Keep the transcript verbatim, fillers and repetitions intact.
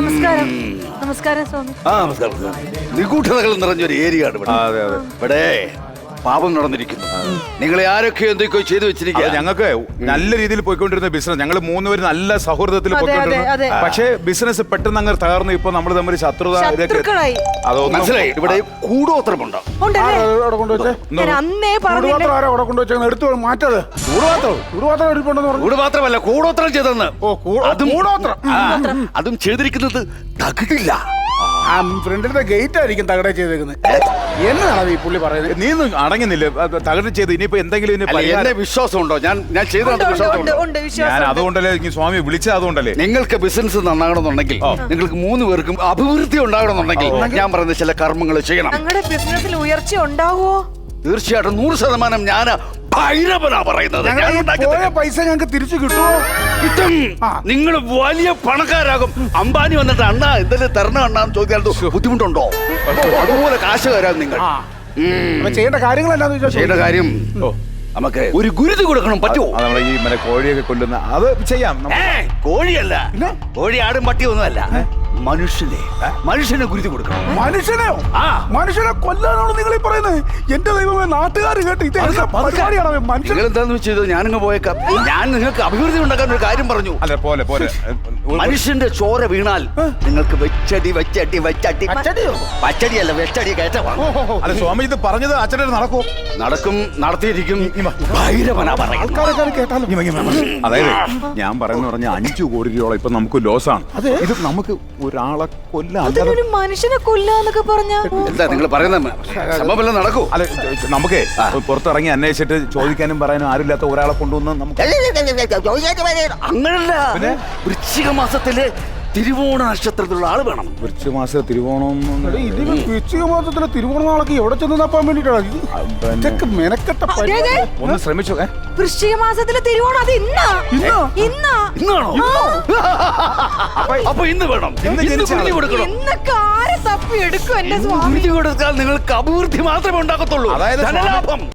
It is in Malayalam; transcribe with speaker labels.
Speaker 1: നമസ്കാരം. നമസ്കാരം സ്വാമി.
Speaker 2: ആ നമസ്കാരം. നിഗൂഢതകൾ നിറഞ്ഞൊരു ഏരിയ ആണ് ഇവിടെ.
Speaker 3: അതെ അതെ.
Speaker 2: ഇവിടെ പാപം നടന്നിരിക്കുന്നു. നിങ്ങളെ ആരൊക്കെ എന്തൊക്കെയോ ചെയ്തു വെച്ചിരിക്കുക.
Speaker 3: ഞങ്ങൾക്ക് നല്ല രീതിയിൽ പോയിക്കൊണ്ടിരുന്ന ബിസിനസ്, ഞങ്ങൾ മൂന്നുപേര് നല്ല സൗഹൃദത്തിൽ പോയിക്കൊണ്ടിരുന്നു. പക്ഷേ ബിസിനസ് പെട്ടെന്ന് അങ്ങ് തകർന്നു. ഇപ്പൊ നമ്മൾ തമ്മിൽ ശത്രുത
Speaker 2: അതൊന്നും മനസ്സിലായി. ഇവിടെ കൂടോത്രമുണ്ടോ? കൂട് മാത്രമല്ല കൂടോത്രം ചെയ്തെന്ന്. അതും ചെയ്തിരിക്കുന്നത് തകിടില്ല.
Speaker 4: ഫ്രണ്ടിന്റെ ഗേറ്റ് ആയിരിക്കും തകട ചെയ്തേക്കുന്നത്. എന്നാണ് ഈ പുള്ളി പറയുന്നത്?
Speaker 3: നീ അടങ്ങുന്നില്ല. തകട് ചെയ്ത് ഇനിയിപ്പോ എന്തെങ്കിലും
Speaker 2: എന്നെ വിശ്വാസമുണ്ടോ? ഞാൻ ഞാൻ ചെയ്തത്
Speaker 3: ഞാൻ അതുകൊണ്ടല്ലേ സ്വാമി വിളിച്ചത്. അതുകൊണ്ടല്ലേ
Speaker 2: നിങ്ങൾക്ക് ബിസിനസ് നന്നാകണമെന്നുണ്ടെങ്കിൽ, നിങ്ങൾക്ക് മൂന്ന് പേർക്കും അഭിവൃദ്ധി ഉണ്ടാകണമെന്നുണ്ടെങ്കിൽ ഞാൻ പറയുന്ന ചില കർമ്മങ്ങൾ ചെയ്യണം.
Speaker 1: ഞങ്ങളുടെ ബിസിനസ്സിൽ ഉയർച്ച ഉണ്ടാവുമോ?
Speaker 2: തീർച്ചയായിട്ടും നൂറ് ശതമാനം ഞാൻ ഭൈരവനാ പറയുന്നത്.
Speaker 4: പൈസ ഞങ്ങൾക്ക് തിരിച്ചു കിട്ടുമോ?
Speaker 2: കിട്ടും. നിങ്ങൾ വലിയ പണക്കാരാകും. അംബാനി വന്നിട്ട് അണ്ണാ എന്തെങ്കിലും തരണം അണ്ണാന്ന് ചോദിക്കാൻ ബുദ്ധിമുട്ടുണ്ടോ? അതുപോലെ കാശുകാരാകും നിങ്ങൾ.
Speaker 4: ചെയ്യേണ്ട കാര്യങ്ങൾ എന്താണെന്ന് ചോദിച്ചാൽ
Speaker 2: ചെയ്യേണ്ട കാര്യം നമുക്ക് ഒരു ഗുരുതി കൊടുക്കണം. പറ്റുമോ?
Speaker 3: നമ്മളെ ഈ മറ്റേ കോഴിയൊക്കെ കൊല്ലുന്ന അത് ചെയ്യാം.
Speaker 2: കോഴിയല്ല, കോഴി ആടും പട്ടിയൊന്നുമല്ല. മനുഷ്യനെ മനുഷ്യനെ ഗുരുതി കൊടുക്കണം.
Speaker 4: മനുഷ്യനെയോ? ആ മനുഷ്യനെ കൊല്ലാനാണ് നിങ്ങൾ ഈ പറയുന്നത്? എന്റെ ദൈവമേ, നാട്ടുകാർ കേട്ട് ഇത്
Speaker 2: നിങ്ങൾ എന്താന്ന് വെച്ചത് ഞാനിങ്ങ് പോയേക്കാം. ഞാൻ നിങ്ങൾക്ക് അഭിവൃദ്ധി ഉണ്ടാക്കാൻ ഒരു കാര്യം പറഞ്ഞു.
Speaker 3: അല്ല പോലെ പോലെ
Speaker 2: മനുഷ്യന്റെ ചോര വീണാൽ നിങ്ങൾക്ക് വെച്ചടി വെച്ചടി വെച്ചടി പച്ചടിയല്ല വെച്ചടി കയറ്റമാണ്.
Speaker 3: അല്ല സ്വാമി, ഇത് പറഞ്ഞത് അച്ഛനെ നടക്കൂ?
Speaker 2: നടക്കും, നടത്തിയിരിക്കും. ഭൈരവനാ പറയുന്നത്.
Speaker 3: അതായത് ഞാൻ പറയുന്ന പറഞ്ഞ അഞ്ചു കോടി രൂപയോളം ഇപ്പൊ നമുക്ക് ലോസാണ്. ഇത് നമുക്ക് ഒരാളെ കൊല്ലാതെ
Speaker 1: മനുഷ്യനെ കൊല്ലാന്നൊക്കെ പറഞ്ഞ
Speaker 2: എന്താ നിങ്ങൾ പറയുന്നത്? സംഭവം നടക്കൂ.
Speaker 3: അല്ല നമുക്ക് പുറത്തിറങ്ങി അന്വേഷിച്ചിട്ട് ചോദിക്കാനും പറയാനും ആരുമില്ലാത്ത ഒരാളെ കൊണ്ടുവന്ന് നമുക്ക്
Speaker 2: അങ്ങനല്ല. വൃശ്ചിക മാസത്തില് തിരുവോണ നക്ഷത്രത്തിലുള്ള ആള് വേണം.
Speaker 3: വൃശ്ചിക മാസം തിരുവോണം.
Speaker 4: വൃശ്ചിക മാസത്തിലെ തിരുവോണ നാളൊക്കെ എവിടെ ചെന്ന് തപ്പാൻ വേണ്ടിട്ടാണ് ഇതൊക്കെ മെനക്കെട്ട.
Speaker 3: ഒന്ന് ശ്രമിച്ചു.
Speaker 1: വൃശ്ചിക മാസത്തിലെ തിരുവോണം അത് ഇന്നാ ഇന്നാ
Speaker 2: ഇന്നാണോ? അപ്പൊ ഇന്ന് വേണം.
Speaker 1: ഇന്നൊക്കെ ആരെ തപ്പി എടുക്കും എന്റെ സ്വാമി?
Speaker 2: കൊടുത്താൽ നിങ്ങൾക്ക് അഭിവൃദ്ധി മാത്രമേ ഉണ്ടാക്കത്തുള്ളൂ.
Speaker 3: അതായത്
Speaker 2: ധനലാഭം.